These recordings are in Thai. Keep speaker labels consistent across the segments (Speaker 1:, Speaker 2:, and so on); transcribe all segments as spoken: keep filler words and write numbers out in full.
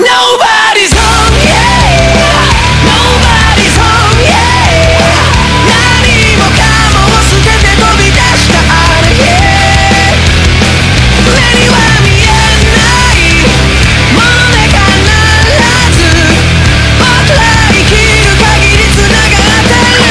Speaker 1: Nobody's home, yeah. Nobody's home, yeah. 何もかもを捨てて飛び出したあの日。目には見えないもので必ず僕ら生きる限り繋がってる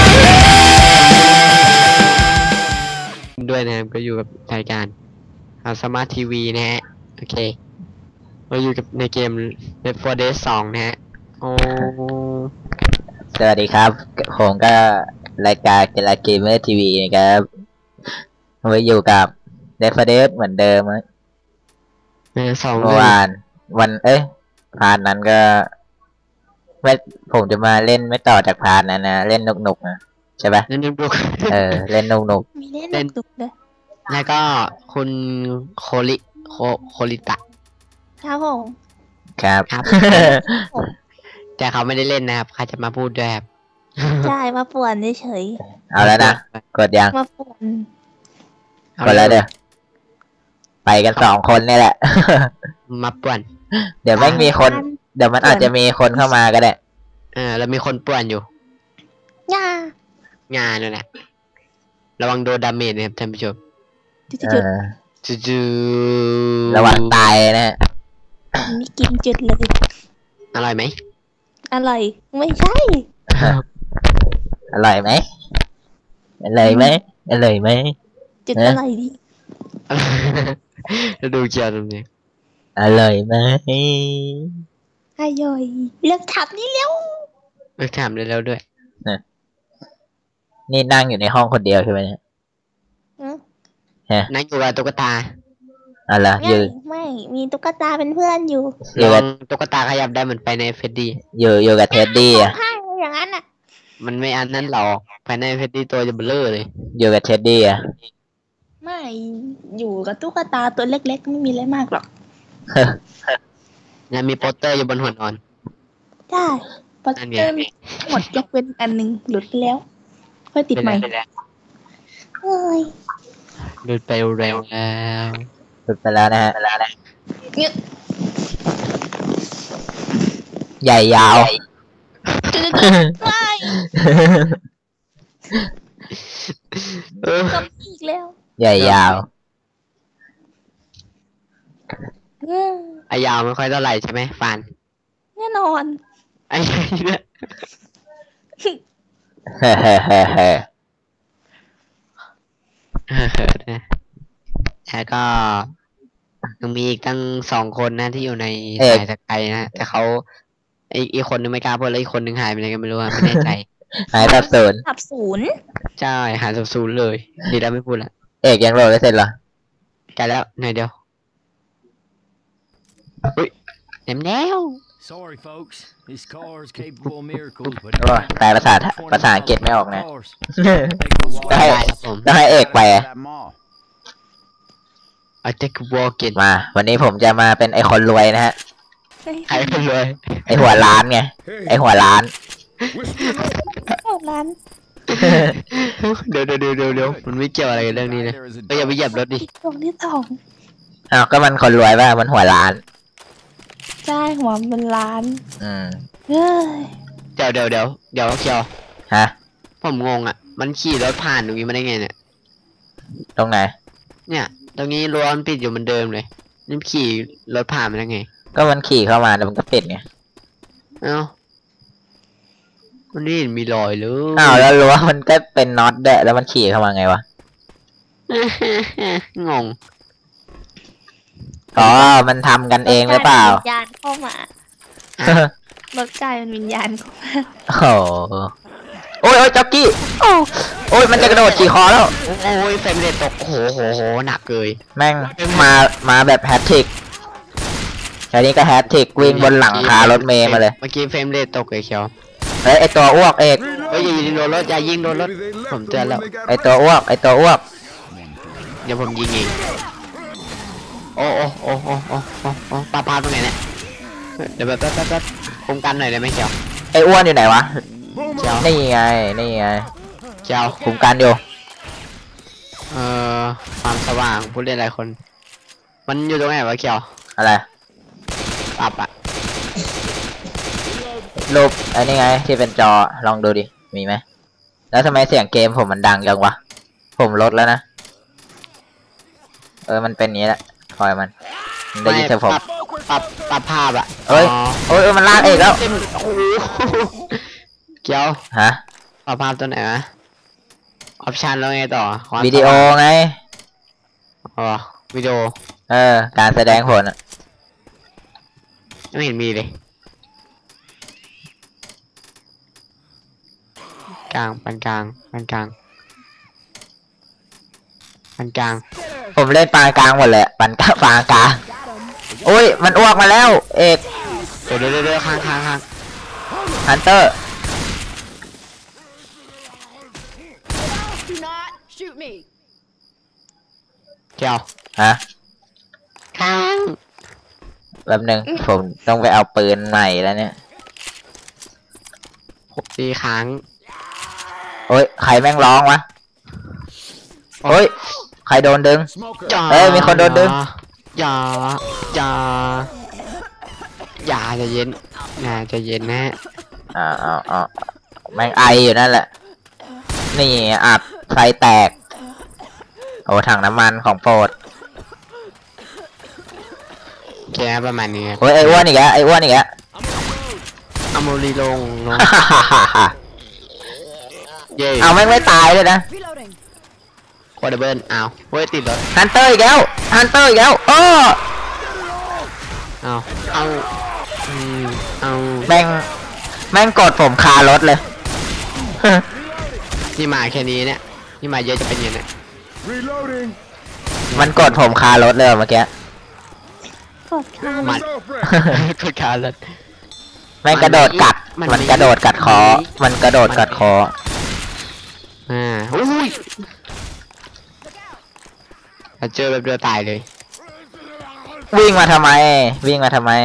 Speaker 1: からด้วยนะครับก็อยู่กับรายการสมาร์ททีวีนะฮะโอเคเราอยู่กับในเกม Left โฟร์ Dead สองนะฮะโอ้
Speaker 2: สวัสดีครับผมก็รายการกีฬาเกมเมอร์ทีวีนะครับเราอยู่กับ Left โฟร์ Dead เหมือนเดิมเมื่อวานวันเอ้ยพาร์ทนั้นก็ไม่ผมจะมาเล่นไม่ต่อจากพาร์ทนั้นนะเล่นนุกนุกนะใช่ปะ
Speaker 1: เล่นนุก
Speaker 2: เออเล่นนุกนุก
Speaker 3: มีเล่นนุกเลย
Speaker 1: แล้วก็คุณโคลิโคโคลิตะ
Speaker 3: ครับผม
Speaker 2: ครับ
Speaker 1: แต่เขาไม่ได้เล่นนะครับเขาจะมาพูดด้วยครับ
Speaker 3: ใช่มาป่วนเฉย
Speaker 2: เอาแล้วนะกดยัง
Speaker 3: มาป่วน
Speaker 2: กดแล้วเด้อไปกันสองคนนี่แหละ
Speaker 1: มาป่วน
Speaker 2: เดี๋ยวไม่มีคนเดี๋ยวมันอาจจะมีคนเข้ามาก็ได้
Speaker 1: เออแล้วมีคนป่วนอยู่
Speaker 3: งา
Speaker 1: งานนั่นแหละระวังโดนดาเมจนะครับท่านผู้ชม
Speaker 3: จุด
Speaker 1: จุดจุ
Speaker 2: ดระวังตายนะ
Speaker 3: นี่กินจุดเลย
Speaker 1: อร่อยไหม
Speaker 3: อร่อยไม่ใช่
Speaker 2: อร่อยไหมอร่อยไหมอร่อยไหม
Speaker 3: จุดอร่อยดิ
Speaker 1: ดูเกียวตรงนี้
Speaker 2: อร่อยไหม
Speaker 3: อร่อยเลิกถามนี่เร็ว
Speaker 1: เลิกถามเร็วๆด้วย
Speaker 2: นี่นั่งอยู่ในห้องคนเดียวใช่ไหมเนี่ย
Speaker 1: นั่งอยู่กับตุ๊กตา
Speaker 2: อะไรอยู่
Speaker 3: ไม่มีตุ๊กตาเป็นเพื่อนอยู่
Speaker 1: อยู่กับตุ๊กตาขยับได้เหมือนไปในเฟดดี้
Speaker 2: อยู่อยู่กับเท็ดดี้อ่ะ
Speaker 3: อย่างนั้นอ่ะ
Speaker 1: มันไม่อันนั้นหรอกภายในเฟดดี้ตัวจะเบลอเลย
Speaker 2: อยู่กับเท็ดดี้อ่ะ
Speaker 3: ไม่อยู่กับตุ๊กตาตัวเล็กๆไม่มีอะไรมากหรอก
Speaker 1: ยังมีโปสเตอร์อยู่บนหัวนอน
Speaker 3: ใช่โปสเตอร์หมดยกเว้นอันหนึ่งหลุดไปแล้วค่อยติดใหม่เฮ้ย
Speaker 1: หลุดไปเร็วแล้ว
Speaker 2: หลุดไปแล้วนะฮะใหญ่ยาว
Speaker 3: เอออีกแล้ว
Speaker 2: ใหญ่ยาว
Speaker 1: ไอยาวไม่ค่อยเท่าไหร่ใช่ไหมฟาน
Speaker 3: แน่นอน
Speaker 1: ไอ้เนี่ย
Speaker 2: เฮ้เฮ้เฮ้เฮ้
Speaker 1: แล้วก็ยังมีอีกตั้งสองคนนะที่อยู่ในสายสกายนะแต่เขาไออีกคนนึงไม่กล้าพูดแล้วอีกคนนึงหายไปไหนกันไม่รู้อ่ะไม่แน่ใจ
Speaker 2: หายสับสน
Speaker 3: สับสน
Speaker 1: ใช่หายสับสนเลยดีแล้วไม่พูดละ
Speaker 2: เอกยังโหลดไม่เสร็จเหรอ
Speaker 1: ใกล้แล้วหน่อยเดียวอุ้ยเต็มแล้ว
Speaker 4: Sorry folks this car is capable of miracles but
Speaker 2: แปลภาษาภาษาอังกฤษไม่ออกนะต้องให้ต้องให้เอกไป
Speaker 1: ไอเทควอลกิน
Speaker 2: มาวันนี้ผมจะมาเป็นไอคนรวยนะฮะ
Speaker 1: ใครคนรวย
Speaker 2: ไอหัวล้านไงไอหัวล้าน
Speaker 3: หัวล้าน
Speaker 1: เดี๋ยวเดี๋ยวเดี๋ยวเดี๋ยวมันไม่เกี่ยวอะไรกับเรื่องนี้นะก็อย่าไปเหยียบรถดิ
Speaker 3: ตรงที่สอง
Speaker 2: อ้าวก็มันคนรวยป่ะมันหัวล้าน
Speaker 3: ใช่หัวเป็นล้าน
Speaker 2: อืม
Speaker 3: เฮ้ย
Speaker 1: เดี๋ยวเดี๋ยวเดี๋ยวเดี๋ยวเคียว
Speaker 2: ฮะ
Speaker 1: ผมงงอ่ะมันขี่รถผ่านตรงนี้มาได้ไงเนี่ย
Speaker 2: ตรงไหน
Speaker 1: เนี่ยตรงนี้รั้วมันปิดอยู่เหมือนเดิมเลยนี่ขี่รถผ่านมาได้ไง
Speaker 2: ก็มันขี่เข้ามาแล้วมันก็ปิดไง
Speaker 1: เอ้ามันนี่มีรอยเลย
Speaker 2: อ้าวแล้วรั้วมันก็เป็นน็อตด้วยแล้วมันขี่เข้ามาไงวะ
Speaker 1: งง
Speaker 2: อ๋อมันทำกันเองหรือเปล่า
Speaker 3: วิญญาณเข้ามารถกายมันวิญญาณเข้ามา
Speaker 2: โอ้โอ้ยโอ้ยจ็อกกี้โอ้โอ้ยมันจะกระโดดขี่คอแล้ว
Speaker 1: โอ้ยเฟรมเรทตกโหโหโหหนักเลย
Speaker 2: แม่งมามาแบบแฮตทริกแค่นี้ก็แฮตทริกวิ่งบนหลังคารถเมย์มาเลย
Speaker 1: เมื่อกี้เฟรมเรทตกเลยเชียว
Speaker 2: เฮ้ยไอตัวอ้วกเอก
Speaker 1: เฮ้ยอย่ายิงโดนรถอย่ายิงโดนรถผมเตือนแล้ว
Speaker 2: ไอตัวอ้วกไอตัวอ้วก
Speaker 1: เดี๋ยวผมยิงเองโอ้โอ้โอ้โอ้โอ้โอ้โอ้ปลาปลาตรงไหนเนี่ยเดี๋ยวแบบแป๊บแป๊บแป๊บคุมกันหน่อยได้ไหมเชียว
Speaker 2: ไออ้วนอยู่ไหนวะนี่ไงนี่ไง
Speaker 1: เจ้า
Speaker 2: คุมกันอยู่
Speaker 1: เอ่อความสว่างผู้เล่นหลายคนมันอยู่ตรงไหนวะเขียว
Speaker 2: อะไร
Speaker 1: ปรับอะ
Speaker 2: รูปไอ้นี่ไงที่เป็นจอลองดูดิมีไหมแล้วทำไมเสียงเกมผมมันดังจังวะผมลดแล้วนะเออมันเป็นอย่างนี้แหละคอยมันมันได้ยินเสียงผม
Speaker 1: ปรับปรับภาพอะ
Speaker 2: เอ้ย
Speaker 1: อ๋อ
Speaker 2: โอ้ยเออมันลากเอกแล้ว
Speaker 1: เต็มโอ้โหเกี่ยว
Speaker 2: ฮะ
Speaker 1: ปรับภาพตัวไหนวะออปชันแล้วไงต่อความ
Speaker 2: วิดีโอไง
Speaker 1: อ๋อวิดีโอ
Speaker 2: เออการแสดงผลอะ
Speaker 1: ไม่เห็นมีเลยกลางปานกลางปานกลางปานกลาง
Speaker 2: ผมเล่นปานกลางหมดเลยปันกลางปานกลางโอ้ยมันอ้วกมาแล้วเอก
Speaker 1: เดี๋ยวเดี๋ยวเดี๋ยวข้างข้างข้าง
Speaker 2: ฮันเตอร์
Speaker 5: Do not shoot me.
Speaker 1: เกี่ยว
Speaker 2: ฮะ
Speaker 1: ข้าง
Speaker 2: แป๊บนึงผมต้องไปเอาปืนใหม่แล้วเนี่ย
Speaker 1: หกตีค้าง
Speaker 2: โอ้ยใครแม่งร้องวะโอ้ยใครโดนดึง
Speaker 4: Smoker.
Speaker 1: อย่า
Speaker 2: เอ้ยมีคนโดนดึง
Speaker 1: อย่าอย่าอย่าใจะเย็นอย่าใจะเย็นนะ
Speaker 2: อ่าอ่าอ่าแม่งไออยู่นั่นแหละ นี่อับไฟแตก โอ้ถังน้ำมันของโปรด
Speaker 1: แค่ประมาณนี้
Speaker 2: โอ้ยไออ้วนอีกแล้วไออ้วนอีกแล้ว
Speaker 1: เอาโมลีลงลงเย้
Speaker 2: เอาแม่งไม่ตายเลยนะ
Speaker 5: Reloading.
Speaker 1: โคดเบิร์นเอาเว้ยติดรถ
Speaker 2: ฮันเตอร์อีกแล้วฮันเตอร์อีกแล้วโอ้
Speaker 1: เอาเอาอืมเอา
Speaker 2: แม่งแม่งกดผมคารถเลย
Speaker 1: นี่มาแค่นี้เนี่ยนี่มาเยอะจะเป็นยังไง
Speaker 4: Reloading.
Speaker 2: มันกดผมคารถเลยเมื่อกี้
Speaker 3: กดค่ะ
Speaker 1: มัน กดขาเลย
Speaker 2: แม่งกระโดดกัด
Speaker 1: มัน
Speaker 2: มัน
Speaker 1: มี
Speaker 2: กระโดดกัดคอ มันกระโดดกัดคอ
Speaker 1: อ่าอุ้ยถ้าเจอแบบเดียวตายเลย
Speaker 2: วิ่งมาทำไม วิ่งมาทำไม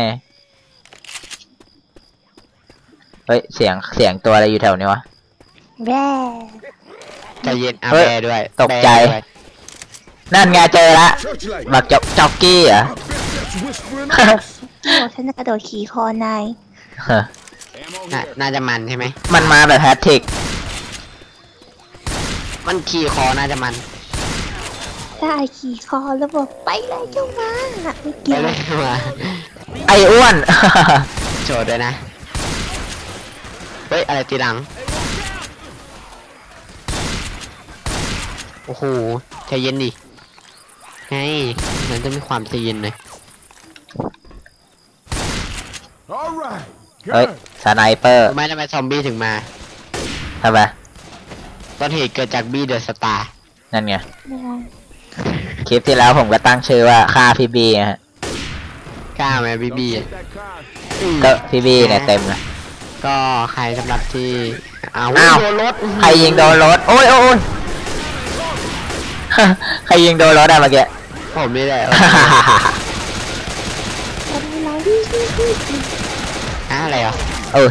Speaker 2: เฮ้ย เสียง เสียงตัวอะไรอยู่แถวนี้วะ
Speaker 3: แร่
Speaker 1: ใจเย็นอา
Speaker 2: เฮ้ย
Speaker 1: แบร์ด้วย
Speaker 2: ตกใจ
Speaker 1: แบร์ด้วย
Speaker 2: นั่นไงเจอละ
Speaker 4: Searchlight.
Speaker 2: บักจ็อกจ็อกกี้เหรอ
Speaker 4: That's whispering.
Speaker 3: โอ้ฉันจะกระโดดขี่คอนาย
Speaker 4: Ammo
Speaker 1: น่า
Speaker 4: here.
Speaker 1: น่าจะมันใช่ไหม
Speaker 2: มันมาแบบแฮตทริก
Speaker 1: มันขี่คอน่าจะมัน
Speaker 3: ได้ขี่คอแล้วบอกไปเลยเจ้ามาไม่
Speaker 1: ไป
Speaker 3: เกี่ยว
Speaker 1: เลยมา
Speaker 2: ไออ้วน
Speaker 1: โจทย์ด้วยนะ เฮ้ย อะไรตีหลัง โอ้โหใจเย็นดิไงมันจะมีความใจเย็นหน่อย
Speaker 4: All right.
Speaker 2: เฮ้ย
Speaker 4: Good.
Speaker 2: สไนเปอร์
Speaker 1: รู้ไหมทำไมซอมบี้ถึงมา
Speaker 2: ทำไม
Speaker 1: ต้นเหตุเกิดจากบี้เดอะสตาร์
Speaker 2: นั่นไง คลิปที่แล้วผมก็ตั้งชื่อว่าฆ่าพี่บีฮะ
Speaker 1: กล้าไหมบี้
Speaker 4: Don't
Speaker 1: บี้
Speaker 4: take that car.
Speaker 2: ก็พี่บีเนี่ยเต็มเลย
Speaker 1: ก็ใครสำหรับที่อ้าว
Speaker 2: อ้าว
Speaker 1: โดนรถ
Speaker 2: ใครยิงโดนรถ โอ้ยโอ้ย ใครยิงโดนรถอะเมื่อกี้
Speaker 1: ผมนี่แหละ
Speaker 3: คนเราที่ที่ที่ที่
Speaker 1: อะอะไรอ่ะ
Speaker 2: โอ้ย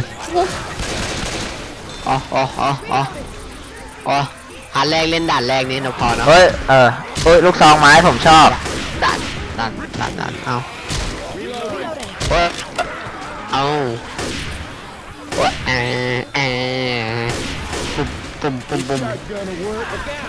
Speaker 1: อ๋ออ๋ออ๋ออ๋ออ๋อหันแรกเล่นด่านแรกนี่นะพอเนาะ
Speaker 2: เฮ้ย เออโอ้ย ลูกซองไม้ผมชอบ
Speaker 1: ด่านด่านด่านด่านเอาเว้ยเอาเว้ยเออเออปุ่มปุ่มปุ่มปุ่ม
Speaker 4: Gonna work.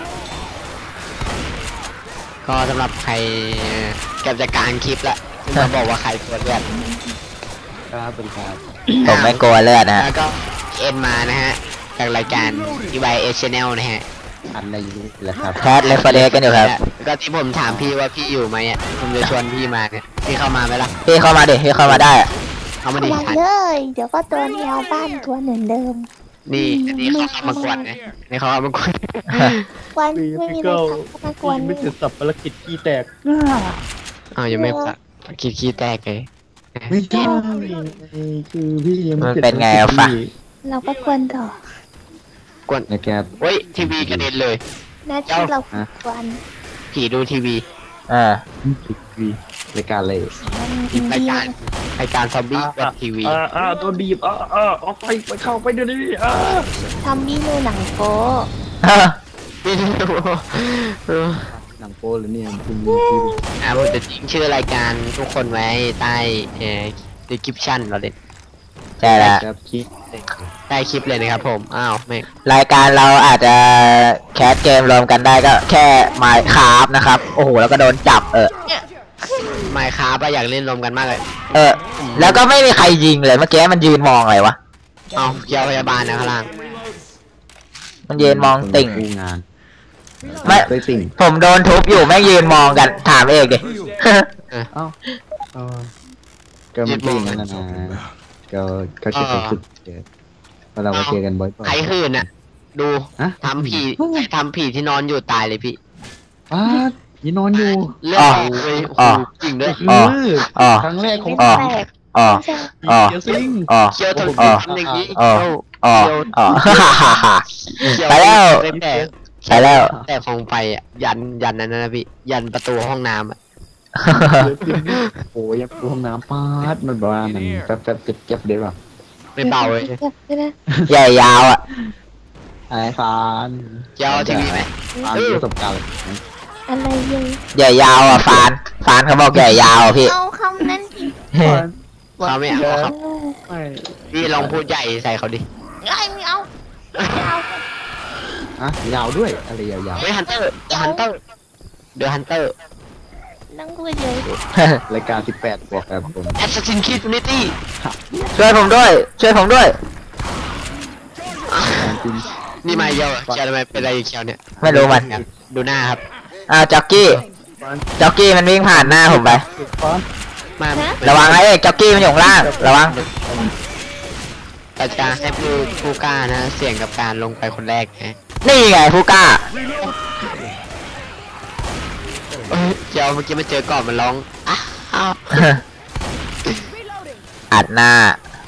Speaker 1: ก็สำหรับใครเก็บจากกลางคลิปละซึ่งเขาบอกว่าใครตัวเลือด
Speaker 6: ครับเป็นครับ
Speaker 2: ผมไม่กลัวเลือดนะฮะ
Speaker 1: แล้วก็เอ็นมานะฮะจากรายการ อี วาย เอ Channel นะฮะ
Speaker 6: อันในยูนิตแล้วครับ
Speaker 2: แคทเลฟเดกันอยู่ครับ
Speaker 1: แล้วก็ที่ผมถามพี่ว่าพี่อยู่ไหมอ่ะผมจะชวนพี่มาเนี่ยพี่เข้ามาไหมล่ะ
Speaker 2: พี่เข้ามาดิ พี่เข้ามาได้อะ
Speaker 1: เอามา
Speaker 3: เข้า
Speaker 1: ดิ
Speaker 3: มา
Speaker 1: ทัน
Speaker 3: เลย เดี๋ยวก็ตัวแนวบ้านตัวเหมือนเดิม
Speaker 1: นี่อันนี้เขาเข้ามากวนนะนี่เขาเข้ามากวน
Speaker 3: วันไม่มีอะไรทำก็มากวน
Speaker 6: ไม่เสร็จสับภารกิจขี้แตก
Speaker 1: อ้าวยังไม่สักคิดขี้แตกเลย
Speaker 6: ไม่ใช่คือพี่ยัง
Speaker 2: มัน
Speaker 6: ไม่
Speaker 2: เป็นไงอะฟะ
Speaker 3: เราก็กวนต่อก
Speaker 1: วน
Speaker 6: นะครับ
Speaker 1: เฮ้ยทีวีกระเด็นเลย
Speaker 3: หน้าที่เรากวน
Speaker 1: ผีดูทีวี
Speaker 2: เออ
Speaker 6: ติดวีรายการเลย
Speaker 3: มันอิน
Speaker 1: ราย
Speaker 3: เดีย
Speaker 1: การรายการซอมบี้แบบทีวี
Speaker 6: อ่าอ่าโดนบีบอ่าอ่าออกไปไปเข้าไปเดี๋ยวนี้อ่า
Speaker 3: ทำนี่ดูหนังโป๊
Speaker 1: ไม่รู้
Speaker 6: หนังโป้หรือเนี่ยคุณ
Speaker 1: อ่ะผมจะทิ้งชื่อรายการทุกคนไว้ใต้เอ่อ description เราเด็ด
Speaker 2: ใช่แล้ว
Speaker 6: ครับคิด
Speaker 1: ได้คลิปเลยนะครับผมอ้าวแม่ง
Speaker 2: รายการเราอาจจะแคสเกมรวมกันได้ก็แค่ไมค์คราฟนะครับโอ้โหแล้วก็โดนจับเออ
Speaker 1: ไมค์ครับอยากเล่นรวมกันมากเลย
Speaker 2: เออแล้วก็ไม่มีใครยิงเลยเมื่อกี้มันยืนมองอะไรวะ
Speaker 1: เอาเกี่ยวพยาบาลนะข้างล่าง
Speaker 2: มันยืนมองติ่ง
Speaker 6: ดูงาน
Speaker 2: ไม่
Speaker 6: เคยติ่ง
Speaker 2: ผมโดนทุบอยู่แม่งยืนมองกันถามเอกดิ
Speaker 6: เอ้าเออก็มันเป็นอย่างนั้นนะนะก็ก็จะเป็นจุดเจอเพราะเราก็เจอกันบ่อยๆ
Speaker 1: ใครหื่นอ่ะ ดู
Speaker 6: ฮะ
Speaker 1: ทำผีทำผีที่นอนอยู่ตายเลยพี่
Speaker 6: อ้ายีนอนอยู่
Speaker 1: เลือดออกเลยโอ้โหจริงด้วย
Speaker 2: อ๋อ อ๋อ
Speaker 6: ครั้งแรกของ
Speaker 2: อ๋อ
Speaker 3: แตก
Speaker 2: อ๋อ
Speaker 3: ไม่ใช่
Speaker 2: อ๋อ
Speaker 6: เกียร์ซิง
Speaker 2: อ๋อ
Speaker 1: เคี้ยวทน
Speaker 2: อ๋อ
Speaker 1: ทำอย่างนี้
Speaker 2: อ๋อ
Speaker 1: เคี้ยว
Speaker 2: อ๋ออ๋อฮ่าฮ่าฮ่า
Speaker 1: เคี้ย
Speaker 2: ไปแล้ว
Speaker 1: แต่
Speaker 2: ไปแล้ว
Speaker 1: แต่ฟองไฟอ่ะยันยันนั้นนะพี่ยันประตูห้องน้ำอ่ะ
Speaker 6: โอ้ยยังห้องน้ำปาดมันบอกว่ามันแป๊บแป๊บเจ็บเจ็บเดี๋ยวแบบ
Speaker 1: ไม่เบาเลย
Speaker 3: ไม่ได้
Speaker 2: ใหญ่ยาวอ่ะ
Speaker 6: ไอ้ฟาน
Speaker 1: เคี้ยวทีวีไหม
Speaker 6: ฟานมีประสบการณ์
Speaker 3: อะไรอยู่
Speaker 2: ใหญ่ยาวอ่ะฟานฟานเขาบอกใหญ่ยาวอ่ะพี่
Speaker 3: เอาคำนั้นอีก
Speaker 1: เขาไม่เอาครับ
Speaker 6: ไม่
Speaker 1: พี่ลองพูดใหญ่ใส่เขาดิ
Speaker 3: ไอ้ไม่เอาไม่เอา
Speaker 6: อะยาวด้วยอะไรยาว
Speaker 1: เฮ้ยฮันเตอร์ฮันเตอร์เดอะฮันเตอร์
Speaker 3: นั่งคุยเลย
Speaker 6: ๆรายการสิบแปดบวกครับผม
Speaker 1: แอสซินคิดนิตี้
Speaker 2: ช่วยผมด้วย ช่วยผมด้วย
Speaker 6: การจริง
Speaker 1: นี่มาเยอะเคียวทำไมเป็นอะไรเคียวเนี่ย
Speaker 2: ไม่รู้มัน
Speaker 1: ดูหน้าครับ
Speaker 2: อ้าวจ็อกกี้จ็อกกี้มันวิ่งผ่านหน้าผมไป
Speaker 6: ฟาน
Speaker 1: มา
Speaker 2: ระวังนะเอกจ็อกกี้มันอยู่ข้างล่างระวัง
Speaker 1: เราจะให้ผู้ผู้กล้านะ เสี่ยงกับการลงไปคนแรกนะ
Speaker 2: นี่ไงผู้กล้า
Speaker 1: เอ้ยเจ้าเมื่อกี้มาเจอก่อนมันร้องอ้าว
Speaker 2: อัดหน้า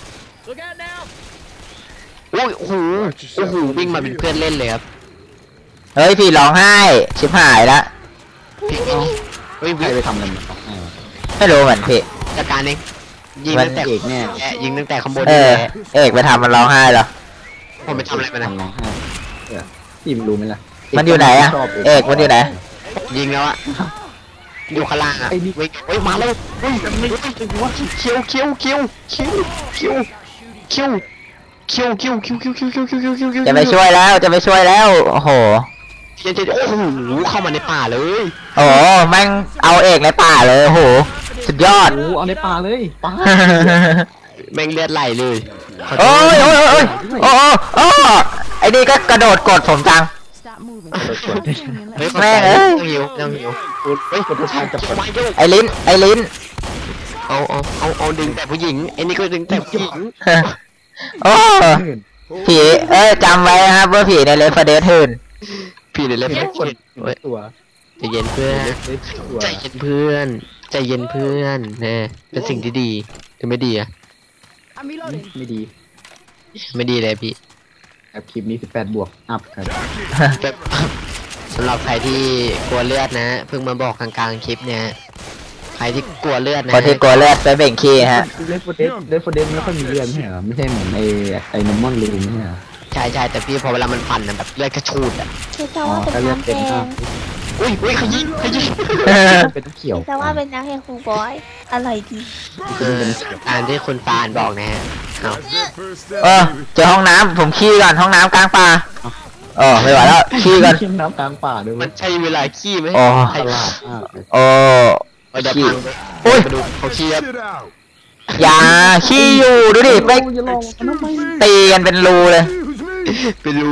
Speaker 1: โอ้ยโอ้โหโอ้โหวิ่งมาเป็นเพื่อนเล่นเลยครับ
Speaker 2: เฮ้ยพี่ร้องไห้ชิบหายละ
Speaker 1: พี่เอาเฮ้ย
Speaker 6: ใคร
Speaker 1: วิ่ง
Speaker 6: ไปทำอะไรมันให้วะ
Speaker 2: ไม่รู้เหมือนพี่
Speaker 1: จัดการเองยิง
Speaker 2: มัน
Speaker 1: ตั้งแต่
Speaker 6: เอกแน่
Speaker 1: แอะยิงตั้งแต่ข้างบน
Speaker 2: เอ
Speaker 1: นี่
Speaker 2: อ
Speaker 1: แหละ
Speaker 2: เอกไปทำมันร้องไห้เหรอ
Speaker 1: ผมไปทำอะไรมันนะ
Speaker 6: ทำร้องไห้เออพี่มันรู้ไหมล่ะ
Speaker 2: มันอยู่ไหนอะ
Speaker 6: ชบ
Speaker 2: เอกมันอยู่ไหน
Speaker 1: ยิงแล้วอะอยู่ข้างล่างอะ
Speaker 6: ไอ้นี่
Speaker 1: วิ่งเฮ้ยมาแล้วเฮ้ยเคี้ยวเคี้ยวเคี้ยวเคี้ยวเคี้ยวเคี้ยวเคี้ยวเคี้ยวเคี้ยวเคี้ยวเคี้ยวเคี้ยวเคี้ยวเคี้ยวเคี้ยวเคี้ยว
Speaker 2: จะไปช่วยแล้วจะไปช่วยแล้วโอ้โห
Speaker 1: เดี๋ยวๆโอ้โหเข้ามาในป่าเลย
Speaker 2: โอ้โหแม่งเอาเอกในป่าเลยโอ้โหสุดยอด
Speaker 6: โอ้เอาในป่าเลยป่า
Speaker 1: แม่งเลือดไหลเลยขโทษ
Speaker 2: โอ้ยโอ้ยโอ้ยโอ้ยโอ้ยโอ้ยไอ้นี่ก็กระโดดกดผมจัง
Speaker 5: Stop moving.
Speaker 1: เฮ้ย
Speaker 2: แม่งเอ้ย
Speaker 1: ต้องหิวต้องหิวเฮ้ยคนผู้ชายจับคนมาโยก
Speaker 2: ไอ้ลิ้นไอ้ลิ้น
Speaker 1: เอาเอาเอาเอาดึงแต่ผู้หญิงไอ้นี่ก็ดึงแต่ผู้หญิง
Speaker 2: โอ้ผีเอ้ยจำไว้นะครับว่าผีในเลฟเดสหื่น
Speaker 1: พี่เดี๋ยวเล่น
Speaker 6: เห็น
Speaker 1: เพื่
Speaker 6: ค
Speaker 1: อน
Speaker 6: นเห็นตัว
Speaker 1: ใจเย็นเพื่อน
Speaker 6: เห็นตัว
Speaker 1: ใจเย็นเพื่อนใจเย็นเพื่อนนะเป็นสิ่งที่ดีถึงไม่ดีอะ
Speaker 5: I'm reloading.
Speaker 6: ไม่ดี
Speaker 1: ไม่ดีเลยพี่
Speaker 6: ครับคลิปนี้สิบแปดบวกอัพครับ
Speaker 1: แบบสำหรับใครที่กลัวเลือดนะ เพิ่งมาบอกกลางๆคลิปเนี่ยใครที่กลัวเลือดนะ
Speaker 2: คนที่กลัวเลือดไปเบ่งขี้ฮะ
Speaker 6: เลฟโฟเดสเลฟโฟเดสไม่ค่อยมีเลือดไม่ใช่เหรอไม่ใช่เหมือนไอ้ไอ้นอร์มอนลูไม่ใช่เหรอ
Speaker 1: ใช่ใช่แต่พี่พอเวลามันฟันนะแบบเลือดกระชูดอ่ะ
Speaker 3: คือจะว่าเป็นน้ำแดง
Speaker 1: อุ้ยอุ้ยขยี้ขยี้
Speaker 6: เป็นเขียว
Speaker 3: จะว่าเป็นน้ำแดงครูบอยอะไรดี
Speaker 1: คือการที่คุณฟานบอกนะฮะเอา
Speaker 2: เออเจอห้องน้ำผมขี้ก่อนห้องน้ำกลางป่าโอ้ไม่ไหวแล้วขี้ก่อน
Speaker 6: ขี้น้ำกลางป่าด้วย
Speaker 1: มันใช่เวลาขี้ไหม
Speaker 2: โอ้
Speaker 1: ใคร
Speaker 6: ตลาดมากเลย
Speaker 2: โอ้
Speaker 1: เอาเดี๋ยว
Speaker 2: ขี้
Speaker 1: พังไป
Speaker 2: อุ้ย
Speaker 1: มาดูเขาขี้ครับ
Speaker 2: อย่าขี้อยู่ดูดิไป
Speaker 6: อย่าลองมันทำไม
Speaker 2: ตีกันเป็นรูเลย
Speaker 1: ไปดู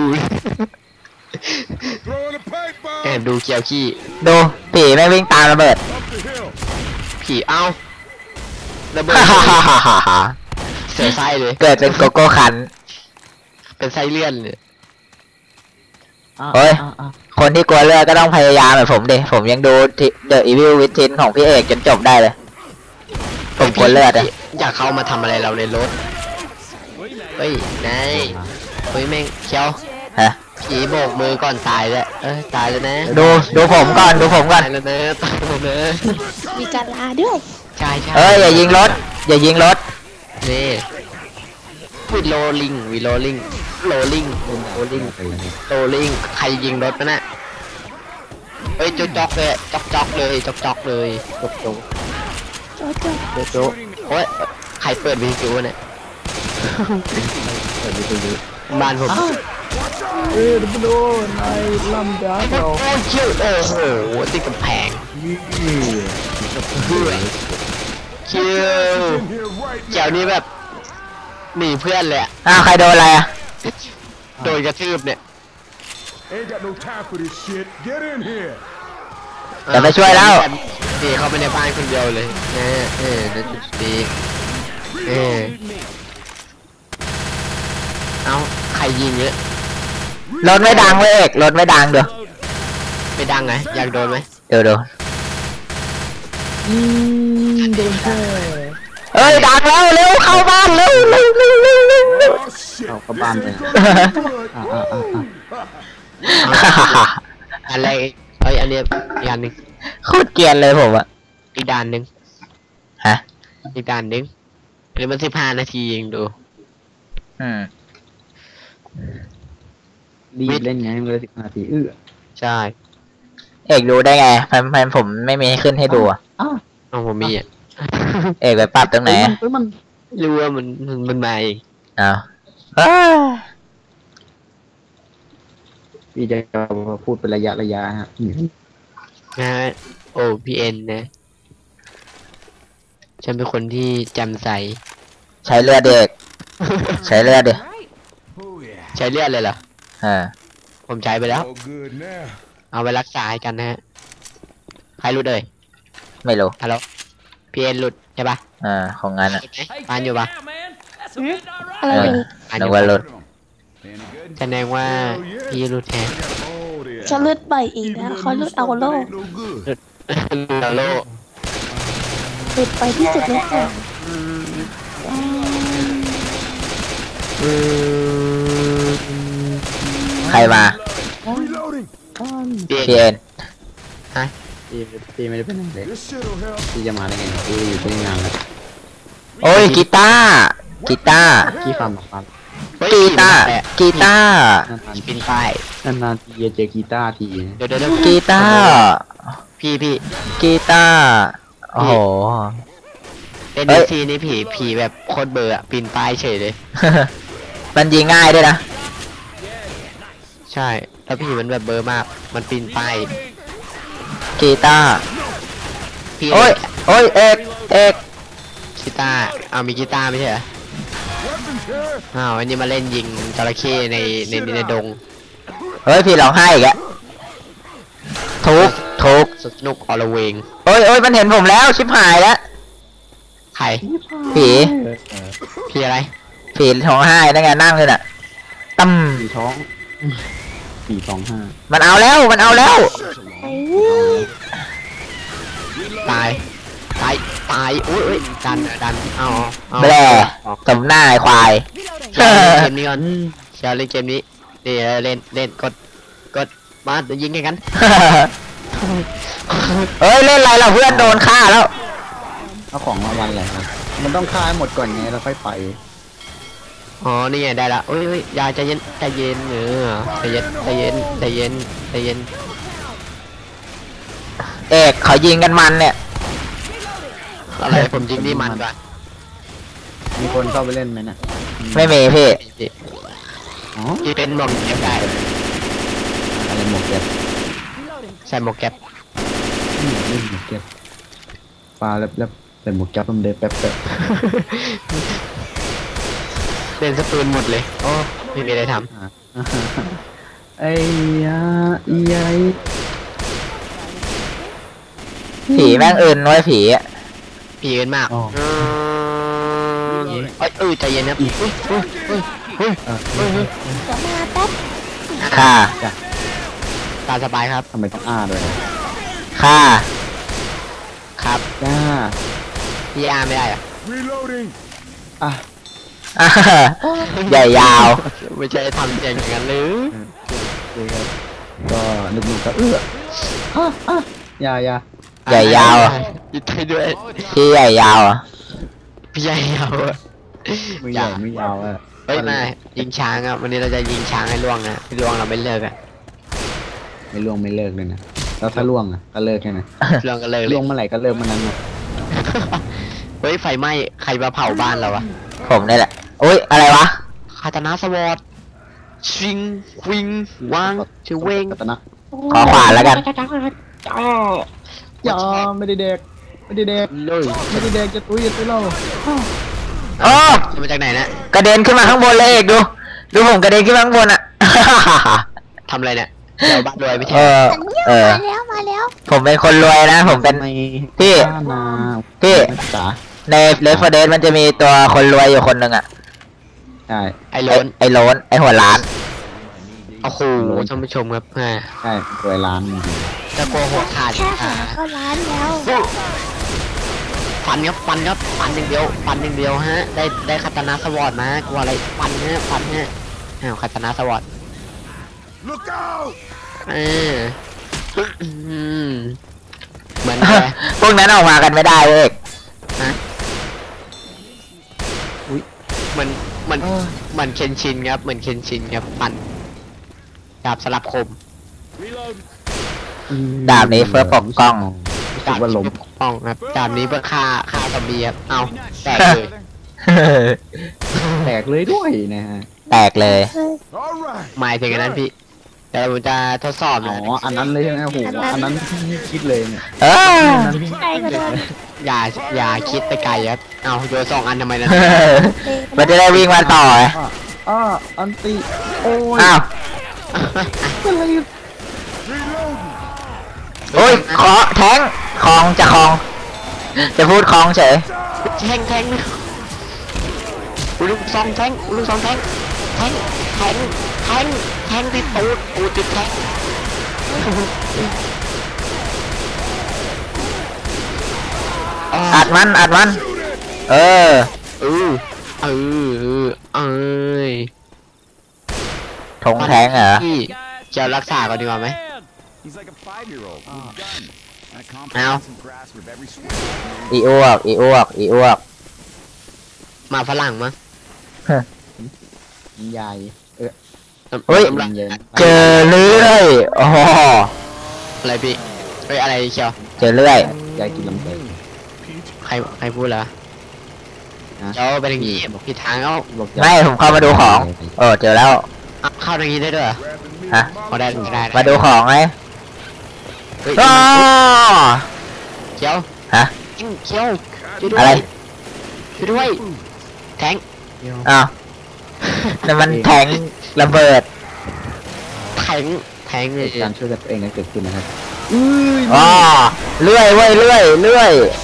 Speaker 1: แอบดูเกียวขี้
Speaker 2: ดูผีแม่งวิ่งตามระเบิด
Speaker 1: ผีเอ้าระเบิด
Speaker 2: ฮ่าฮ่าฮ่าฮ่าฮ่าฮ่า
Speaker 1: เสียไส้เลย
Speaker 2: เกิดเป็นโกโก้คัน
Speaker 1: เป็นไส้เลื่อนเลย
Speaker 2: เฮ้ย คนที่กลัวเลือดก็ต้องพยายามแบบผมดิผมยังดูเดอะอีวิลวิทินของพี่เอกจนจบได้เลย ผมกลัวเลือดอะ
Speaker 1: อยากเข้ามาทำอะไรเราในรถเฮ้ยนายเฮ้ยแม่งเคียว
Speaker 2: ฮะ
Speaker 1: ผีโบกมือก่อนตายแล้วเอ้ยตายแล้วนะ
Speaker 2: ดูดูผมก่อนดูผมก่อน
Speaker 1: ตายแล้วนะตายแล้วนะ
Speaker 3: มีการลาด้วย
Speaker 1: ใช่ใช่
Speaker 2: เอ้ยอย่ายิงรถอย่ายิงรถ
Speaker 1: นี่วิโรลิงวิโรลิงโรลิงโรลิงโรลิงใครยิงรถมันน่ะเฮ้ยจ๊อกจ๊อกเลยจ๊อกจ๊อกเลยจ๊อกจ๊อกเลยจ๊อกจ๊อก
Speaker 3: โจ๊ะโจ๊ะ
Speaker 6: โจ๊ะโจ๊ะ
Speaker 1: โอ้ยใครเปิดวิทยุเนี่ย
Speaker 6: เปิดวิทยุ
Speaker 1: บ้านผม
Speaker 6: เอ้ยดับเบิลโดนายลำดับ
Speaker 1: โอ้
Speaker 6: เรา
Speaker 1: โหเชี่ยวโอ้โหติดกำแพง
Speaker 6: นี่
Speaker 1: เชี่ยวแถวนี้แบบหนีเพื่อนเลยอะ
Speaker 2: อ้าวใครโดนอะไรอ่ะ
Speaker 1: โดนกระทืบเนี่ย
Speaker 7: Ain't got no time for this shit. Get in here.
Speaker 2: จะไปช่วยแล้ว
Speaker 1: นี่เข้าไปในบ้านคนเดียวเลยเออเออนั่นจุดนี้เออเอาใครยิงเนี่ย
Speaker 2: รถไม่ดังเว้ยเอกรถไม่ดังเดี๋ยว
Speaker 1: ไม่ดังไงอยากโดนไหม
Speaker 2: เดี๋ยวเดี๋ยว
Speaker 6: อืมโดนแค่
Speaker 2: เอ้ยดังแล้วเร็วเข้าบ้านเร็วเร็วเร็วเร็วเร็วเร็ว
Speaker 7: Oh shit.
Speaker 6: เอากลับบ้านไป
Speaker 7: This ain't gonna be good.
Speaker 6: อ่าอ่าอ่าอ่า
Speaker 1: อะไรเอ้ยอันเนี้ยอีกอันหนึ่ง
Speaker 2: โคตรเกรียนเลยผมอะ
Speaker 1: อีกด่านหนึ่ง
Speaker 2: ฮะ
Speaker 1: อีกด่านหนึ่งอันนี้มันสิบห้านาทีเองดู
Speaker 2: อืม
Speaker 6: รีบเล่นไงมันเลยสิบนาทีเอื้อ
Speaker 1: ใช่
Speaker 2: เอกดูได้ไงพันพันผมไม่มีให้ขึ้นให้ดูอะ
Speaker 6: อ้าว
Speaker 1: เอาผมมีอ่ะ
Speaker 2: เอกไปปรับตรงไหน
Speaker 6: เฮ้ย
Speaker 2: อะ
Speaker 6: มันเฮ้ยมัน
Speaker 1: รู้ว่ามันมันมันมาเอง
Speaker 2: อ้าวอ้า
Speaker 6: พี่จะพูดเป็นระยะระยะฮะอืม
Speaker 1: นะฮะโอ้พีเอ็นนะ ฉันเป็นคนที่จำใส
Speaker 2: ใช้เลือดเด็ก ใช้เลือดดิ
Speaker 7: Oh yeah.
Speaker 1: ใช้เลือดเลยเหรอ
Speaker 2: อ่า
Speaker 1: ผมใช้ไปแล้ว
Speaker 7: All good now.
Speaker 1: เอาไปรักษาให้กันนะฮะใครหลุดเลย
Speaker 2: ไม่รู้
Speaker 1: ฮัลโหลพีเอ็นหลุดใช่ปะ
Speaker 2: อ่าของงานอะ
Speaker 1: หลุดไหมปานอยู่ปะ
Speaker 3: อะไร
Speaker 2: เออ
Speaker 3: อีก
Speaker 1: ปานอ
Speaker 2: นึก
Speaker 1: ยู่
Speaker 2: ว่า
Speaker 1: ปะ
Speaker 2: หลุด
Speaker 7: Any good?
Speaker 1: แสดงว่าพี่หลุดแทน
Speaker 7: I got all this.
Speaker 3: จะเลือดใบอีกนะเขาเลือดเอาโล่
Speaker 7: Ain't no good.
Speaker 1: ฮัลโหล
Speaker 3: หลุดไปที่สุดแล้วค่ะ
Speaker 2: ใครมา
Speaker 7: Reloading.
Speaker 1: พี
Speaker 2: พี
Speaker 1: เอ็
Speaker 2: เอ็
Speaker 1: น
Speaker 2: น
Speaker 6: พี่พี่ไม่ได้เป็นอะไรเลย
Speaker 7: This shit'll help.
Speaker 6: พี่จะมาได้ไงพี่อยู่ที่งานแล้ว
Speaker 2: โอ้ยกีตาร์กีตาร์
Speaker 6: พี่ฟังมาฟัง
Speaker 2: กีตาร์กีตาร์
Speaker 6: นานๆ
Speaker 1: ปินป้าย
Speaker 6: นานๆทีจะเจอกีตาร์ที
Speaker 1: เดี๋ยวเดี๋ยวเดี๋ยว
Speaker 2: กีตาร์
Speaker 1: พี่พี่
Speaker 2: กีตาร์โอ้โห
Speaker 1: เอ็น
Speaker 2: เฮ้ย
Speaker 1: ซีนี่ผีผีแบบโคตรเบอร์อะปีนป้ายเฉยเลย
Speaker 2: มันยิงง่ายด้วยนะ
Speaker 1: ใช่แล้วผีมันแบบเบอร์มาก มันปีนป้าย
Speaker 2: กีตาร์
Speaker 1: พี่
Speaker 2: โอ้ยโอ้ยเอกเอก
Speaker 1: กีตาร์เอามีกีตาร์ไม่ใช่เหรอ
Speaker 7: Weapons here.
Speaker 1: อ้าวอันนี้มาเล่นยิงจระเข้ในในในดง
Speaker 2: เฮ้ยพี่ร้องไห้อีกอะทุกทุก
Speaker 1: สนุกอลเวง
Speaker 2: โอ้ยโอ้ยมันเห็นผมแล้วชิบหายแล้ว
Speaker 1: ใคร
Speaker 2: ผี
Speaker 1: พี่อะไร
Speaker 2: ผีร้องไห้นั่นไงนั่งเลยน่ะตั้ม
Speaker 6: สี่ท้องสี่สองห้า
Speaker 2: มันเอาแล้วมันเอาแล้ว
Speaker 3: ไอ้
Speaker 1: ตายตายตายอุ้ยอุ้ยดันดันเอาเอา
Speaker 2: แบร่สมหน้าไอ้ควาย
Speaker 1: เชียร์เล่นเกมนี้ก่อนเชียร์เล่นเกมนี้นี่เล่นเล่นกดกดมาเดี๋ยวยิงให้กัน
Speaker 2: เอ้ยเล่นอะไรเราเพื่อนโดนฆ่าแล้ว
Speaker 6: เอาของรางวัลอะไรครับมันต้องฆ่าให้หมดก่อนไงแล้วค่อยไป
Speaker 1: อ๋อนี่ไงได้ละอุ้ยอุ้ยยาใจเย็นใจเย็นเออใจเย็นใจเย็นใจเย็นใจเย็น
Speaker 2: เอกเขายิงกันมันเนี่ย
Speaker 1: อะไรผมยิงนี่มันก่อน
Speaker 6: มีคนเข้าไปเล่นไหมน่ะ
Speaker 2: ไม่มีพี่
Speaker 6: อ๋อ
Speaker 1: ที่เป็นหมวกแก๊ปได้
Speaker 6: อะไรหมวกแก๊ป
Speaker 1: ใส่หมวกแก๊ป
Speaker 6: อืมเล่นหมวกแก๊ปปลาแล้วแล้วแต่หมวกแก๊ปมันเดินแป๊บแป๊บ
Speaker 1: เล่นสปืนหมดเลยโอ้ไม่มีอะไรท
Speaker 6: อ่าไอ้ยาอีไอ
Speaker 2: ผีแม่งอื่นน้อยผีอะ
Speaker 1: ำผีกันมากเออเอ้ยเออใจเย็นนะอุ้ยอุ้ยอุ้ยอุ้ยอุ้ย
Speaker 6: อ่ะ
Speaker 3: เดี๋ยวมาแป๊บ
Speaker 2: ฆ่า
Speaker 1: ตามสบายครับ
Speaker 6: ทำไมต้องอ้าด้วยนะ
Speaker 2: ฆ่า
Speaker 1: ครับ
Speaker 6: จ้า
Speaker 1: พี่อาร์ไม่ได้เหรอ
Speaker 7: Reloading.
Speaker 6: อ่ะ
Speaker 2: อ่าใหญ่ยาว
Speaker 1: ไม่ใช่ทำอย่างนั้นหรือ
Speaker 6: โอเคครับก็นึกๆก็เอื้ออ่ะอ่ะอยาอยา
Speaker 2: ใหญ่ยาวอะ
Speaker 1: ยิดให้ด้วย
Speaker 2: พี่ใหญ่ยาวอ่ะ
Speaker 1: พี่ใหญ่ยาวอะ
Speaker 6: ไม่ใหญ่ไม่ยาวอ่ะ
Speaker 1: เฮ้ยมายิงช้างอ่ะวันนี้เราจะยิงช้างให้ล่วงนะพี่ล่วงเราไม่เลิกอ่ะ
Speaker 6: ไม่ล่วงไม่เลิกเลยนะแล้วถ้าล่วงอ่ะก็เลิกแค่นั้น
Speaker 1: ล่วงก็เลิกเล
Speaker 6: ล่
Speaker 1: ยว
Speaker 6: งเมื่อไหร่ก็เลิกเมื่อนั้นนะ
Speaker 1: เเฮ้ยไฟไหม้ใครมาเผาบ้านเราวะ
Speaker 2: ผมนี่แหละอุ้ยอะไรวะ
Speaker 1: คาตานาสวอตชิงควิงวางชื่อเวง
Speaker 6: กัตนะ
Speaker 2: ขอขวานแล้วกัน
Speaker 6: อย่าไม่ได้เด็กไม่ได้เด็ก
Speaker 1: เลย
Speaker 6: ไม่ได้เด็กจะตุ้ยจะตุ้ยเรา
Speaker 2: โอ้
Speaker 1: มาจากไหนนะ
Speaker 2: กระเด็นขึ้นมาข้างบนเลยเอกดู ดูผมกระเด็นขึ้นมาข้างบนอ่ะ
Speaker 1: ทำอะไรเนี่ยเดี๋ยวบ้านรวยไม่
Speaker 2: เอ
Speaker 1: ใช่
Speaker 2: อ เออ
Speaker 3: มาแล้วมาแล้ว
Speaker 2: ผมเป็นคนรวยนะ ผมเป็น พี่
Speaker 6: นา
Speaker 2: พี่
Speaker 6: จ๋า
Speaker 2: ในเลฟเดสมันจะมีตัวคนรวยอยู่คนหนึ่งอ่ะ
Speaker 6: ใช่
Speaker 1: ไอ้โล
Speaker 2: ไอ้
Speaker 1: น
Speaker 2: ไอ้โลนไอ้หัวล้าน
Speaker 1: โอ้โหท่านผู้ชมครับแหม
Speaker 6: ใช่รวยล้านจริง
Speaker 1: จะกลัวหัวขาด
Speaker 3: แค่
Speaker 1: อ่า
Speaker 3: หาก็ร้านแล้ว
Speaker 1: ฟันครับฟันครับฟันอย่างเดียวฟันอย่างเดียวฮะได้ได้คาตานาสวอตมากลัวอะไรฟันฮะฟันฮะอ้าวคาตานาสวอต
Speaker 7: Look out!
Speaker 1: เอออืมเหมือนอะไร
Speaker 2: พวกนั้นออกมากันไม่ได้เว้ย
Speaker 1: เหมือนเหมือนเหมือนเคนชินครับเหมือนเคนชินครับฟันดาบสลับคม
Speaker 4: Reload.
Speaker 2: ดาบนี้เพื่อปกป้อง
Speaker 6: รู้สึกว่าลม
Speaker 1: ปกป้องครับดาบนี้เพื่อฆ่าฆ่าซอมบี้ครับเอาแตกเลย
Speaker 6: แตกเลยด้วยนะฮะ
Speaker 2: แตกเลย
Speaker 7: All right.
Speaker 1: หมายถึงอันนั้นพี่แต่ผมจะทดสอบ
Speaker 6: อ๋อ
Speaker 1: นะ
Speaker 6: อันนั้นเลยใช่ไหมโอ้โหอันนั้นที่คิดเลยเนี่ย
Speaker 2: เออ
Speaker 3: ใครก็โดน
Speaker 1: อย่าอย่าคิดไปไกลครับเอาโยนสองอันทำไมนะ
Speaker 2: มันจะได้วิ่งมาต่อไง
Speaker 6: อ่ะอ่าอันติโอ้ย
Speaker 2: อ้าว
Speaker 6: อะไร
Speaker 2: โอ้ยขอแทงคลองจะคลอง จะพูดคลองเฉย
Speaker 1: แทงแทงลูกซองแทงลูกซองแทงแทงแทงแทงแทงที่ตูดตูดติดแทง
Speaker 2: อัดมันอัดมัน เออ
Speaker 1: เออเออเออเอ้ย
Speaker 2: ทงแทงเหรอ
Speaker 1: พี่จะรักษาก่อนดีกว่าไหม
Speaker 4: He's like a five-year-old with a gun and a
Speaker 1: Ow.
Speaker 4: comprehensive grasp of every switch.
Speaker 2: อีอ้วกอีอ้วกอีอ้วก
Speaker 1: มาฝรั่งมั้ง
Speaker 6: ใหญ่เออ
Speaker 2: เฮ้ย
Speaker 1: น้ำลา
Speaker 6: เย็น
Speaker 2: เจอเลื่อยโอ้โห
Speaker 1: อะไรพี่เฮ้ยอะไรเชียว
Speaker 2: เจอเลื่อย
Speaker 6: ใหญ่กินลำเต้
Speaker 1: ใครใครพูดเหรอเจ้าไปทางนี้บอกผิดทางเอา
Speaker 6: บอก
Speaker 2: ไม่ผมเข้ามาดูของเออเจอแล้ว
Speaker 1: เอาเข้าทางนี้ได้ด้วยเหรอ
Speaker 2: ฮะ
Speaker 1: พอได้ได้ได้
Speaker 2: มาดูของไง
Speaker 1: เฮ้ย
Speaker 2: อ้อ
Speaker 1: เขียว
Speaker 2: ฮะ
Speaker 1: เขียวช่วยด้
Speaker 2: อะ
Speaker 1: ว
Speaker 2: ไร
Speaker 1: ยช่วยด้วยแทง
Speaker 2: อ้าวนั่นมันแทงระเบิด
Speaker 1: แทงแทงเลย
Speaker 6: การช่วยกันตัวเองกันเกิดขึ้นนะครับ
Speaker 2: อ๋อเลื่อยเว้ยเลื่อยเลื่อย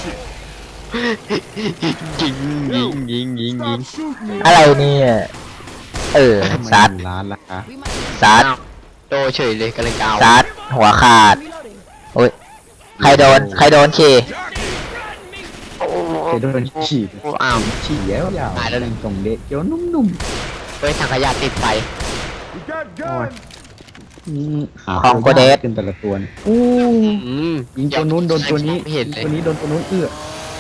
Speaker 1: ยิงยิงยิงยิงยิง
Speaker 7: Stop shooting me.
Speaker 2: อะไรเนี่ยเออซัด
Speaker 6: ล้านละคะ
Speaker 2: ซัด
Speaker 1: อ้าวโดเฉยเลยกำลังจะเอา
Speaker 2: ซัดหัวขาดโอ้ยใครโดนใครโดนขี่
Speaker 6: เคยโดนฉีด
Speaker 1: อ้าว
Speaker 6: ฉีดแล้วยาว
Speaker 1: ตายแล้ว
Speaker 6: ตรงเด็กเกี่ยวนุ่ม
Speaker 1: เฮ้ยถังขยะติดไฟ
Speaker 7: We got guns.
Speaker 6: ๆอืมหา
Speaker 2: ของโกเดส
Speaker 6: ขึ้นแต่ละตัวนี่อู้
Speaker 1: อืม
Speaker 6: ยิงตัวนู้นโดนตัวนี้
Speaker 1: ไม่เห็นเลย
Speaker 6: ตัวนี้โดนตัวนู้นเอื้อ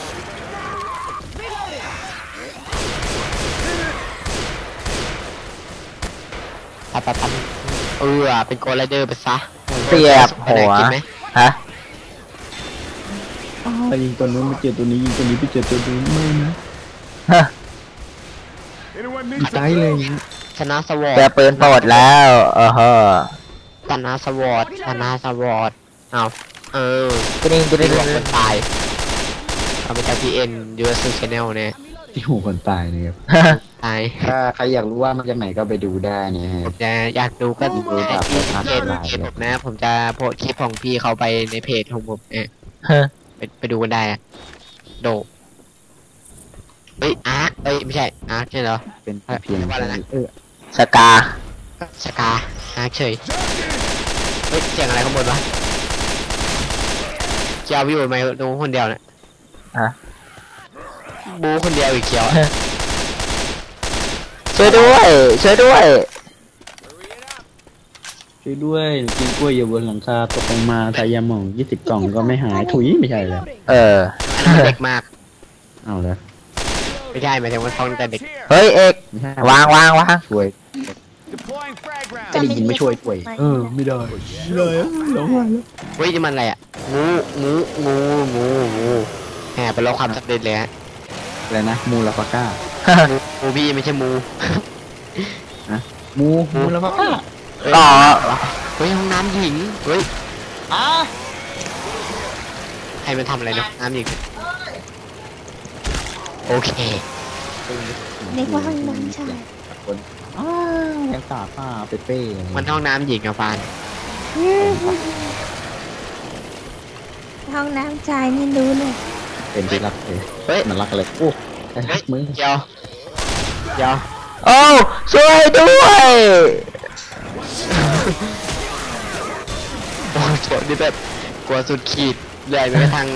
Speaker 1: ปัดปัดปัดเออเป็นโกลไรเดอร์ไปซะ
Speaker 2: เสียบหัว
Speaker 1: กินไหม
Speaker 2: ฮะ
Speaker 6: ไปยิงตัวนู้นไปเจอตัวนี้ยิงตัวนี้ไปเจอตัวนู้นไม่นะ
Speaker 2: ฮะ
Speaker 7: Anyone
Speaker 6: ดี
Speaker 7: need
Speaker 6: ใจเลยอย่างนี้
Speaker 1: ชนะสวอ
Speaker 2: เจอ
Speaker 1: ต
Speaker 2: ปืนโปรดแล้วเออฮะ
Speaker 1: ชนะสวอตชนะสวอตเอาเออก
Speaker 2: ระดิ่งกระ
Speaker 1: ดี
Speaker 2: ดิ่ง
Speaker 1: กว่าคนตายเอาไปจากพีเอ็นยูเอสชแนลเนี่ย
Speaker 6: ที่หูคนตายเนี่ยครับ
Speaker 1: ตาย
Speaker 6: ถ้าใครอยากรู้ว่ามาจากไหนก็ไปดูได้เนี่ยฮะ
Speaker 1: ผมจะอยากดูก็
Speaker 6: ดู
Speaker 1: ดู
Speaker 6: ครับ
Speaker 1: ที่
Speaker 6: ครับ
Speaker 1: เพจ
Speaker 6: ครับ
Speaker 1: เพจผมนะ ผมจะโพสต์คลิปของพี่เขาไปในเพจของผมเนี่ย
Speaker 2: ฮะ
Speaker 1: ไปไปดูกันได้อะโดเฮ้ยอาร์คเอ้ยไม่ใช่อาร์คใช่เหรอ
Speaker 6: เป็นเพียง
Speaker 1: ว่าอะไรนะ
Speaker 6: เออ
Speaker 2: สกา
Speaker 1: สกาอาร์คเฉยเฮ้ยเสียงอะไรข้างบนวะเกียวอยู่ไหมดูคนเดียวเนี่ย
Speaker 2: ฮะ
Speaker 1: บูคนเดียวอีกเกียวอะ
Speaker 2: ช่วยด้วย ช่วยด้วย
Speaker 6: ช่วยด้วยกินกล้วยอยู่บนหลังคาตกลงมาทายาหมองยี่สิบกล่องก็ไม่หายถุยไม่ใช่เลย
Speaker 2: เออ
Speaker 1: อันนั้นเด็กมาก
Speaker 6: เอาแล้ว
Speaker 1: ไม่ใช่หมายถึงว่าท้องแต่เด็ก
Speaker 2: เฮ้ยเอก
Speaker 6: ไม่ใช่
Speaker 2: วางวางวาง
Speaker 6: ช่วย
Speaker 4: Deploying frag round.
Speaker 6: จะได้ยินไม่ช่วยช่วยเออไม่ได้ไม่ได้ร้องไห้แล้ว
Speaker 1: เฮ้ยนี่มันอะไรอ่ะงูงูงูงูงูแหมเป็นเราความสำเร็จเลยฮะ
Speaker 6: อะไรนะมูลาฟาก้า
Speaker 1: มูพี่ไม่ใช่มู
Speaker 6: มูมูลาฟาก้า
Speaker 2: อ๋อ
Speaker 1: เฮ้ยห้องน้ำหญิงเฮ้ย
Speaker 6: อ่ะ
Speaker 1: ใครมันทำอะไรนะน้ำหญิงโอเค
Speaker 3: ในว่าห้องน้ำชาย
Speaker 6: คนอ้ายังตาป้าเปเป้อะไร
Speaker 1: มันห้องน้ำหญิงอะฟาน
Speaker 3: ห้องน้ำชายนี่รู้เลย
Speaker 6: เป็นที่รักเลย
Speaker 1: เฮ้ย
Speaker 6: มันรักอะไรโอ้ไอ้
Speaker 1: เฮ้ย
Speaker 6: มึง
Speaker 1: เดี๋ยวเดี๋ยว
Speaker 2: โอ้ช่วยด้วย
Speaker 1: โอ้โหนี่แบบกลัวสุดขีดเลยไปกระทั่ง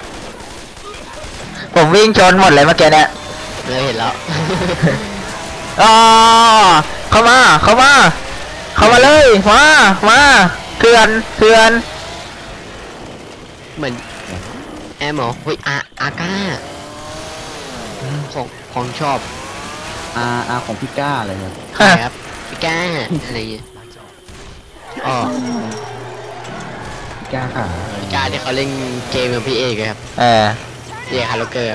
Speaker 2: ผมวิ่งชนหมดเลยเมื่อกี้เนี่ย
Speaker 1: เลยเห็นแล้ว
Speaker 2: อ๋อเข้ามาเข้ามาเข้ามาเลยมามาเถื่อนเถื่อน
Speaker 1: เหมือนแอมเหรอเฮ้ยอาอาก้าของของชอบ
Speaker 6: อาอาของพี่ก้าอะไรครับ
Speaker 1: ใช่ครับพี่ก้าอะไรอย่างเงี้ยอ๋อ
Speaker 6: พี่ก้าค่ะ
Speaker 1: พี่ก้าที่เขาเล่นเกมกับพี่เอกอะครับ
Speaker 2: เออ
Speaker 1: พี่เอกฮาร์โลเกอร์ครับ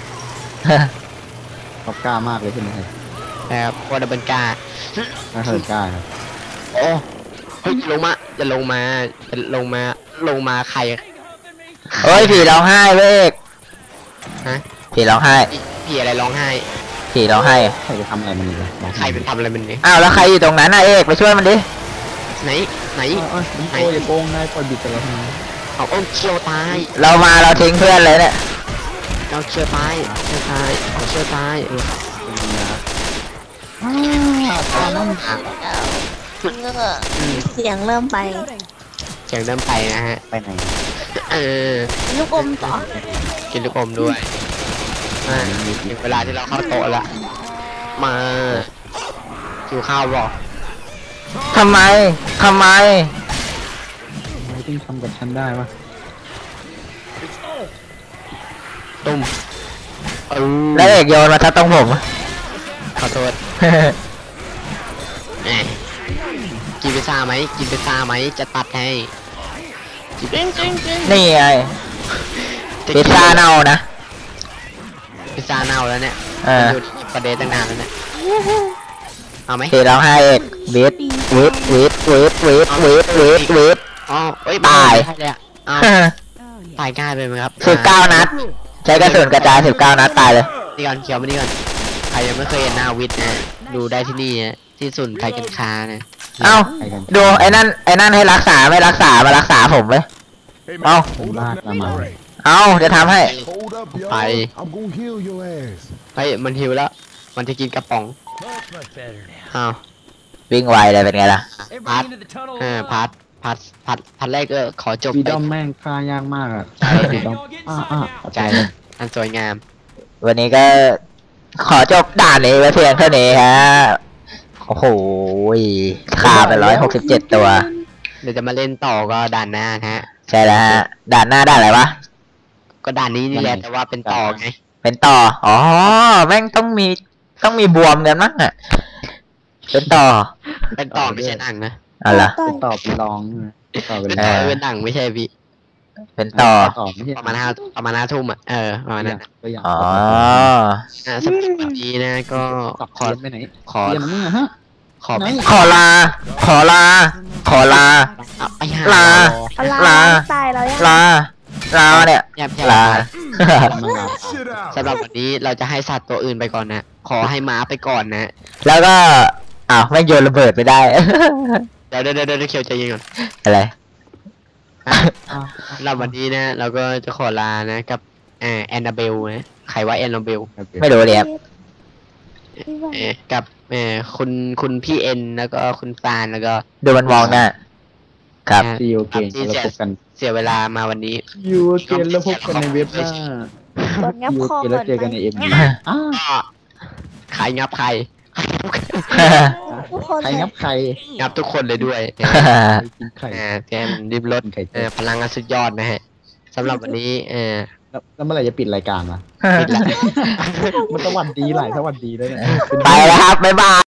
Speaker 6: เขากล้ามากเลยใช่ไหมครับ
Speaker 1: นะครับวอร์ดับเบิลก้า
Speaker 6: ถ้าเธอกล้าครับ
Speaker 1: โอ้เฮ้ยลงมาจะลงมาจะลงมาลงมาใคร
Speaker 2: เฮ้ยผีร้องไห้เว้ย
Speaker 1: ฮะ
Speaker 2: ผีร้องไห้
Speaker 1: พี่พี่อะไรร้องไห้
Speaker 2: ผีร้องไห้
Speaker 6: ใครจะทำอะไรมันอีกอะบอก
Speaker 1: ใครเป็นทำอะไรมันเนี่ย
Speaker 2: อ้าวแล้วใครอยู่ตรงนั้นน่ะเอกไปช่วยมันดิ
Speaker 1: ไหนไหน
Speaker 6: เอ้ยมันโกยอย่าโกงนายปล่อยบิดไปแล้วทำไม
Speaker 1: เอาเอาเคียวตาย
Speaker 2: เรามาเราทิ้งเพื่อนเลยเนี่ย
Speaker 1: เอาเคียวตายเคียวตายเอาเคียวตาย
Speaker 3: เสียงเริ่มไป
Speaker 1: เสียงเริ่มไปนะฮะ
Speaker 6: ไปไหน
Speaker 1: เออ
Speaker 3: ลูกอมต่อ
Speaker 1: กินลูกอมด้วยอ่าถึงเวลาที่เราเข้าโต๊ะละมาหิวข้าวบอก
Speaker 2: ทำไมทำไม
Speaker 6: ทำไมถึงทำกับฉันได้วะ
Speaker 1: ตุ้มเออ
Speaker 2: แล้วเอกโยนมาทัดตรงผม
Speaker 1: ขอโทษแหมกินพิซซ่าไหมกินพิซซ่าไหมจะตัดให้กินจริงจริงจริง
Speaker 2: นี่ไงพิซซ่าเน่านะ
Speaker 1: พิซซ่าเน่าแล้วเนี่ย
Speaker 2: เออ
Speaker 1: มันอยู่ที่ประเดตั้งนานแล้วเนี่ยเอาไหม
Speaker 2: ผีร้องไห้เอกวิทวิทวิทวิทวิทวิทวิทวิท
Speaker 1: อ๋อเอ้ย
Speaker 2: ตาย
Speaker 1: ไม่ได้เลยอะอ้าวตายง่ายไปไหมครับ
Speaker 2: สิบเก้านัด ใช้กระสุนกระจายสิบเก้านัดตายเลย
Speaker 1: นี่ก่อนเขียวมานี่ก่อนใครยังไม่เคยเห็นหน้าวิทย์นะดูได้ที่นี่นะที่ศูนย์ไทยกันค้านะ
Speaker 2: เอ้า
Speaker 6: ใครกัน
Speaker 2: ดูไอ้นั่นไอ้นั่นให้รักษาไม่รักษามารักษาผมเลย
Speaker 7: Hey,
Speaker 2: Oh.
Speaker 7: man, hold up
Speaker 6: Come
Speaker 7: now.
Speaker 6: on.
Speaker 7: Right.
Speaker 2: เอ้าจะทำให้
Speaker 7: Hold up, yo.
Speaker 1: Bye.
Speaker 7: I'm gonna heal your ass.
Speaker 1: เฮ้ยมันหิวแล้ว มันจะกินกระป๋อง
Speaker 4: Much, much better now.
Speaker 1: อ้าว
Speaker 2: วิ่งไวเลยเป็นไงล่ะ
Speaker 4: Everybody into the tunnel.
Speaker 1: เออพาร์ทพาร์ทพาร์ทพาร์ทแรกก็ขอจบ
Speaker 6: ฟี
Speaker 1: ไป
Speaker 6: ดอมแม่งฆ่ายากมากอะ
Speaker 1: ใช่
Speaker 6: ฟีดอมอ่าอ่า
Speaker 1: ใจอันสวยงาม
Speaker 2: วันนี้ก็ขอจบด่านนี้ไว้เพียงเท่านี้ฮะ โอ้โหฆ่าไปร้อยหกสิบเจ็ดตัว
Speaker 1: เดี๋ยวจะมาเล่นต่อก็ด่านหน้านะฮะ
Speaker 2: ใช่แล้วฮะ ด่านหน้าด่านอะไรวะ
Speaker 1: ก็ด่านนี้นี่แหละแต่ว่าเป็นต่อไง
Speaker 2: เป็นต่อ อ๋อ แม่งต้องมีต้องมีบวมกันมั้งอ่ะ เป็นต่อ
Speaker 1: เป็นต่อไม่ใช่หนังนะ
Speaker 2: เอะไร
Speaker 3: ต่อ
Speaker 6: เป็นตอบเป็นรองใช่ไหมตอบเป็น
Speaker 1: เป็น
Speaker 6: ร
Speaker 1: ต่
Speaker 6: อ
Speaker 1: อง เป็นหนังไม่ใช่พี่
Speaker 2: เป็นต่อ
Speaker 6: ตอบไม่ใช่
Speaker 1: ประมาณห้าประมาณห้าทุ่มอ่ะเออประมาณนั้นอะ
Speaker 6: ตัวอย่าง
Speaker 2: อ๋อ
Speaker 1: อ่าสำหรับวันนี้นะก็
Speaker 6: สับ
Speaker 1: ขอ
Speaker 6: เรียนไปไหน
Speaker 1: ขอ
Speaker 6: เรียนมึงอะฮะ
Speaker 1: ขอ
Speaker 6: ไหน
Speaker 2: ขอลา ขอลา ขอลา
Speaker 1: เอาไปหา
Speaker 2: ลา
Speaker 3: เอาลา
Speaker 2: ลา
Speaker 3: ตายแล้วยัง
Speaker 2: ลา ลาเนี่ย
Speaker 1: อย่าอย่า
Speaker 2: ลา
Speaker 6: มึงอะ
Speaker 7: Shit out.
Speaker 1: สำหรับวันนี้เราจะให้สัตว์ตัวอื่นไปก่อนนะ ขอให้ม้าไปก่อนนะ
Speaker 2: แล้วก็ อ้าวไม่งโยนระเบิดไปได้
Speaker 1: เดี๋ยวเดี๋ยวเดี๋ยวเดี๋ยวเคียวใจเย็นก่อน
Speaker 2: อะไร
Speaker 1: สำหรับวันนี้นะ เราก็จะขอลานะกับเอ่อแอนนาเบลนะใครว่าแอนนาเบล
Speaker 2: ไม่รู้เลยครับ
Speaker 3: พี่ว่า
Speaker 1: เอ่อกับเอ่อคุณคุณพี่เอ็นแล้วก็คุณฟานแล้วก็
Speaker 2: ดูมันมองหน้า ครับ
Speaker 6: ซีโอเกนแล้วพบกัน
Speaker 1: เสียเวลามาวันนี้
Speaker 6: ยูเกนแล้วพบกันในเว็บหน้า
Speaker 3: โดนงับ
Speaker 6: ยู
Speaker 3: คอ
Speaker 6: เกนแล้วเจอกันในเอ็ม
Speaker 3: ไ
Speaker 6: อ้า
Speaker 1: ก็ใครงับใคร
Speaker 3: ทุกคน
Speaker 6: ใคร
Speaker 3: เลย
Speaker 6: งับใคร
Speaker 1: งับทุกคนเลยด้วย
Speaker 6: ใครกินไข่
Speaker 1: เอ่อแกมริบรถ
Speaker 6: กินไข่
Speaker 1: เอ่อพลังงานสุดยอดนะฮะสำหรับวันนี้เออ
Speaker 6: แล้วแล้วเมื่อไหร่จะปิดรายการวะ
Speaker 1: ปิดละ
Speaker 6: มันสวัสดีหลายสวัสดีแล้วเนี่ย
Speaker 2: ไปแล้วครับ บ๊ายบาย